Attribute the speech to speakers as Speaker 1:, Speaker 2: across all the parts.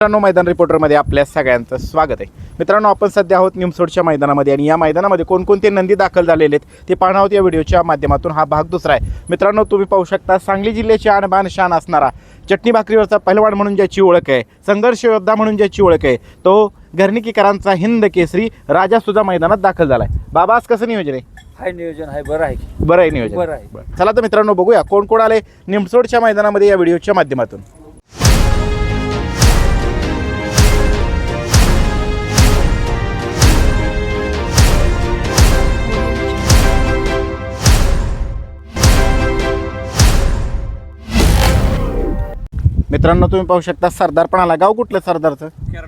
Speaker 1: मित्रांनो, मैदान रिपोर्टरमध्ये आपल्या सगळ्यांचं स्वागत आहे. मित्रांनो, आपण सध्या आहोत निमसोडच्या मैदानामध्ये आणि या मैदानामध्ये कोणकोणते नंदी दाखल झालेले आहेत ते पाहणार आहोत या व्हिडिओच्या माध्यमातून. हा भाग दुसरा आहे. मित्रांनो, तुम्ही पाहू शकता सांगली जिल्ह्याची आणबान शान असणारा चटणी भाकरीवरचा पहिलवान म्हणून ज्याची ओळख आहे, संघर्ष योद्धा म्हणून ज्याची ओळख आहे, तो घरणीकीकरांचा हिंद केसरी राजा सुद्धा मैदानात दाखल झाला आहे. बाबा, आज कसं नियोजन आहे?
Speaker 2: हाय नियोजन आहे, बरं आहे,
Speaker 1: बरं आहे नियोजन.
Speaker 2: बरं आहे.
Speaker 1: चला तर मित्रांनो, बघूया कोण कोण आले निमसोडच्या मैदानामध्ये या व्हिडिओच्या माध्यमातून. मित्रांनो, तुम्ही पाहू शकता सरदार पण आला. गाव कुठलं सरदारचं?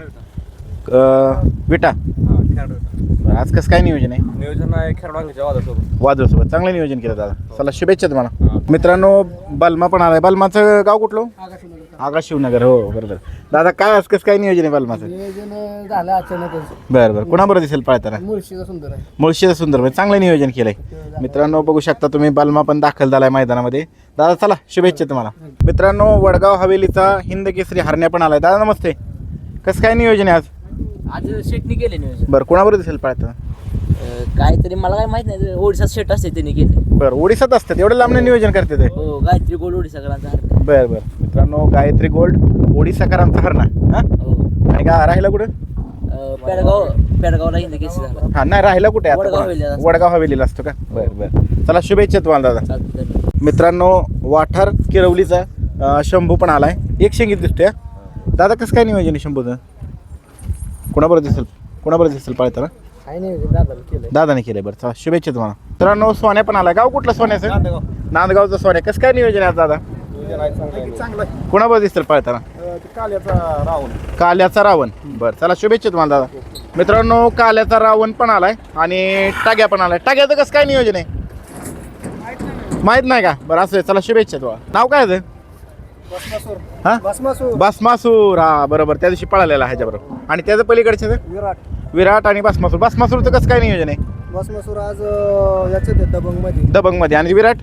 Speaker 1: विटा. बरं, आज कसं काय नियोजन आहे?
Speaker 2: नियोजन आहे खेळवांच्या वादासोबत.
Speaker 1: वादळसोबत चांगलं नियोजन केलं दादा. चला, शुभेच्छा तुम्हाला. मित्रांनो, बलमा पण आलाय. बलमाचं गाव कुठलं? आगा शिवनगर. हो बरोबर. दादा, काय आज कसं काय नियोजन आहे बलमाचं?
Speaker 3: नियोजन झालं अचानकच.
Speaker 1: बरं बरं. कोणाबरोबर दिसेल पळताना?
Speaker 3: मुळशीचा सुंदर आहे.
Speaker 1: मुळशीचं सुंदर म्हणजे चांगलं नियोजन केलंय. मित्रांनो, बघू शकता तुम्ही, बलमा पण दाखल झालाय मैदानामध्ये. दादा, चला शुभेच्छा तुम्हाला. मित्रांनो, वडगाव हवेलीचा हिंद केसरी हरण्या पण आलाय. दादा नमस्ते. कसं काय नियोजन आहे आज?
Speaker 4: आज शेटनी केले नियोजन.
Speaker 1: बरं, कोणाबरोबर दिसेल पळताना?
Speaker 4: काहीतरी मला काय माहित नाही, ओडिसा शेट असते त्यांनी केले.
Speaker 1: बरं, ओडिसात असतात एवढं लांब नियोजन करते ते?
Speaker 4: हो, गायत्री गोल ओडिसा करांचा.
Speaker 1: बरं बरं. मित्रांनो, गायत्री गोल्ड ओडिसाकरांचा हरणा. हां,
Speaker 4: हो.
Speaker 1: आणि का राहिला कुठं?
Speaker 4: पेडगावला हिंद केसरी झाला.
Speaker 1: हां, नाही राहिला कुठे आता?
Speaker 4: वडगाव हवेलीला असतो.
Speaker 1: वडगाव हवेलीला असतो का? बरं बरं. चला, शुभेच्छा तुम्हाला दादा.
Speaker 4: चालतंय.
Speaker 1: मित्रांनो, वाठार किरवलीचा शंभू पण आलाय. एक शेंगीत दिसतोय. दादा, कसं काय नियोजन आहे शंभूचं? कोणाबरोबर दिसेल पळताना?
Speaker 3: काय नियोजन दादाला केलंय.
Speaker 1: दादाने केलंय. बरं, चला शुभेच्छा तुम्हाला. मित्रांनो, सोन्या पण आलाय. गाव कुठलं सोन्याचं? नांदगावचं सोन्या. कसं काय नियोजन आहे आज दादा?
Speaker 3: चांगलं
Speaker 1: कोणाबरोबर दिसेल पळताना?
Speaker 3: काल्याचा राहुल.
Speaker 1: काल्याचा रावण. बरं, चला शुभेच्छा तुम्हाला दादा. मित्रांनो, काल्याचा रावण पण आलाय आणि टाग्या पण आलाय. टाग्याचं कसं काय नियोजन आहे? माहित नाही का? बरं, असं आहे. चला शुभेच्छा तुम्हाला. नाव काय आहे? हां, भस्मासूर. हा बरोबर, त्या दिवशी पळालेला ह्याच्याबरोबर. आणि त्याचं पलीकडचे विराट आणि भस्मासूर. भस्मासूरचं कसं काय नियोजन आहे?
Speaker 3: भस्मासूर आज याच्यात
Speaker 1: दबंग मध्ये. आणि विराट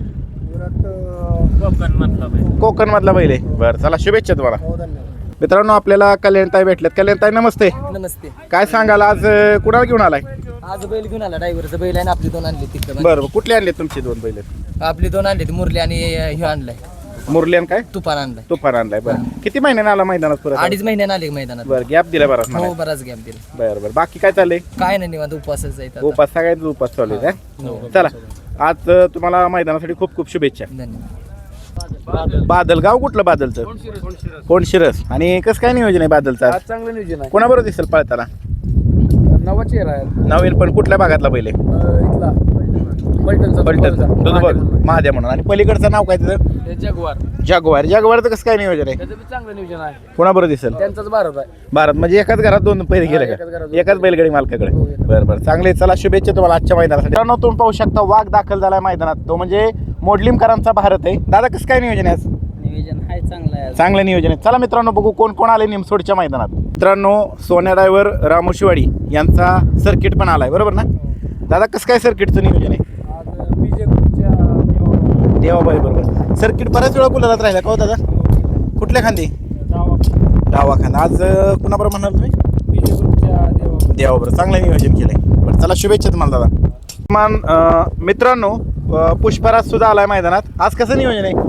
Speaker 1: कोकण मधला बैल आहे. बरं, चला शुभेच्छा तुम्हाला. मित्रांनो, आपल्याला कल्याणताई भेटल्यात. कल्याणताई नमस्ते.
Speaker 4: नमस्ते.
Speaker 1: काय सांगाल आज कुणाला घेऊन आलाय?
Speaker 4: आज बैल घेऊन आला, ड्रायव्हरचं बैल आहे. आपली दोन आणली तिकडे.
Speaker 1: बरं, कुठले आणले तुमचे दोन बैल?
Speaker 4: आपली दोन आणली, मुरली आणि हे आणलाय
Speaker 1: मुरली आणि काय
Speaker 4: तुफान आणलाय.
Speaker 1: तुफान आणलाय. बरं, किती महिन्याने आला मैदानात परत?
Speaker 4: 2.5 महिन्याने आले मैदानात.
Speaker 1: बरं, गॅप दिला बराच
Speaker 4: हो,
Speaker 1: मला.
Speaker 4: बराच गॅप दिला.
Speaker 1: बरं बरं. बाकी काय चाललंय?
Speaker 4: काय नाही, निवांत उपवासच जायचं आता.
Speaker 1: उपास सगळ्यांचा उपास चालू आहे.
Speaker 4: हो.
Speaker 1: चला, आज तुम्हाला मैदानासाठी खूप खूप शुभेच्छा.
Speaker 4: धन्यवाद.
Speaker 1: बादल. गाव कुठलं बादलचं? कोण शिरस. आणि कसं काय नियोजन आहे बादलचं?
Speaker 3: आज चांगलं नियोजन आहे.
Speaker 1: कोणाबरोबर दिसेल पळताना?
Speaker 3: नवा चेहरा आहे.
Speaker 1: नवीन पण कुठल्या भागातला बैल आहे?
Speaker 3: इथला
Speaker 1: पलटण महादेव म्हणून. आणि पलीकडचं नाव काय त्याचं?
Speaker 3: जगवार.
Speaker 1: जागवारचं कसं काय नियोजन आहे?
Speaker 3: त्याचं बी चांगलं नियोजन आहे.
Speaker 1: कोणाबरोबर दिसेल?
Speaker 3: त्यांचाच भारत आहे.
Speaker 1: भारत म्हणजे एकाच घरात दोन पहिले गेले
Speaker 3: एकाच
Speaker 1: का?
Speaker 3: घरात दोन
Speaker 1: एकाच बैलगाडी मालकाकडे.
Speaker 3: हो,
Speaker 1: बरं बरं, चांगले. चला, शुभेच्छा तुम्हाला आजच्या मैदानासाठी. मित्रांनो, तुम्ही पाहू शकता वाघ दाखल झालाय मैदानात. तो म्हणजे मोडलिमकरांचा भारत आहे. दादा, कसं काय नियोजन आहे आज?
Speaker 4: नियोजन आहे चांगलं आहे.
Speaker 1: चांगलं नियोजन आहे. चला मित्रांनो, बघू कोण कोण आले निमसोडच्या मैदानात. मित्रांनो, सोन्या ड्रायव्हर रामू शिवाडी यांचा सर्किट पण आलाय. बरोबर ना दादा? कसं काय सर्किटचं नियोजन आहे?
Speaker 3: आज बीजे ग्रुपच्या
Speaker 1: देवाबाई बरोबर. सर्किट बऱ्याच वेळा गुलालात राहिला का हो दादा? कुठल्या खांदी? डावा खांदा. आज कुणाबरोबर म्हणाल तुम्ही?
Speaker 3: बीजे ग्रुपच्या
Speaker 1: देवाबरोबर. चांगलं नियोजन केलंय. बरं, चला शुभेच्छा तुम्हाला दादा. मित्रांनो, पुष्पराज सुद्धा आलाय मैदानात. आज कसं नियोजन आहे?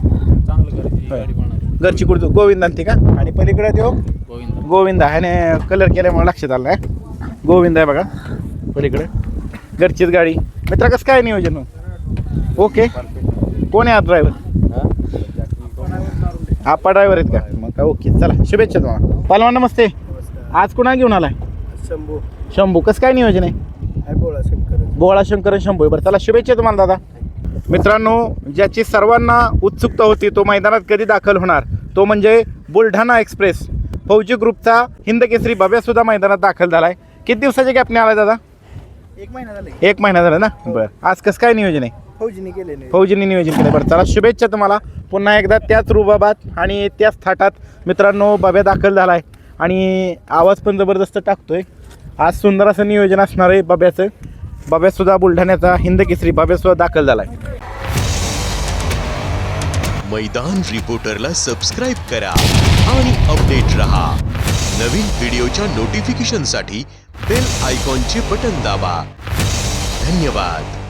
Speaker 1: घरची कुर्तू गोविंदांती का? आणि पलीकडे तो गोविंदा. ह्याने कलर केल्यामुळे लक्षात आलं नाही. गोविंद आहे बघा पलीकडे. घरचीच गाडी. मित्रा, कसं काय नियोजन? ओके. कोण आहे आज ड्रायव्हर? आपा ड्रायव्हर आहेत का? मग काय ओके. चला शुभेच्छा तुम्हाला. पहलवान नमस्ते. आज कुणा घेऊन आलाय? शंभू. कसं काय नियोजन आहे? गोळा शंकर शंभू. बरं, चला शुभेच्छा तुम्हाला दादा. मित्रांनो, ज्याची सर्वांना उत्सुकता होती तो मैदानात कधी दाखल होणार, तो म्हणजे बुलढाणा एक्सप्रेस फौजी ग्रुपचा हिंद केसरी बाब्या सुद्धा मैदानात दाखल झालाय. किती दिवसाच्या गॅपने आलाय दादा? 1 महिना झाला ना. बरं, आज कसं काय नियोजन आहे? फौजींनी नियोजन केलं. बरं, चला शुभेच्छा तुम्हाला. पुन्हा एकदा त्याच रुबाबात आणि त्याच थाटात मित्रांनो बाब्या दाखल झालाय आणि आवाज पण जबरदस्त टाकतोय. आज सुंदर असं नियोजन असणार आहे बाब्याचं. बाब्यासुद्धा बुलढाण्याचा हिंद केसरी बाब्यासुद्धा दाखल झालाय.
Speaker 5: मैदान रिपोर्टरला सबस्क्राईब करा. आणि अपडेट रहा। नवीन व्हिडिओच्या नोटिफिकेशनसाठी बेल आयकॉनचे बटन दाबा। धन्यवाद।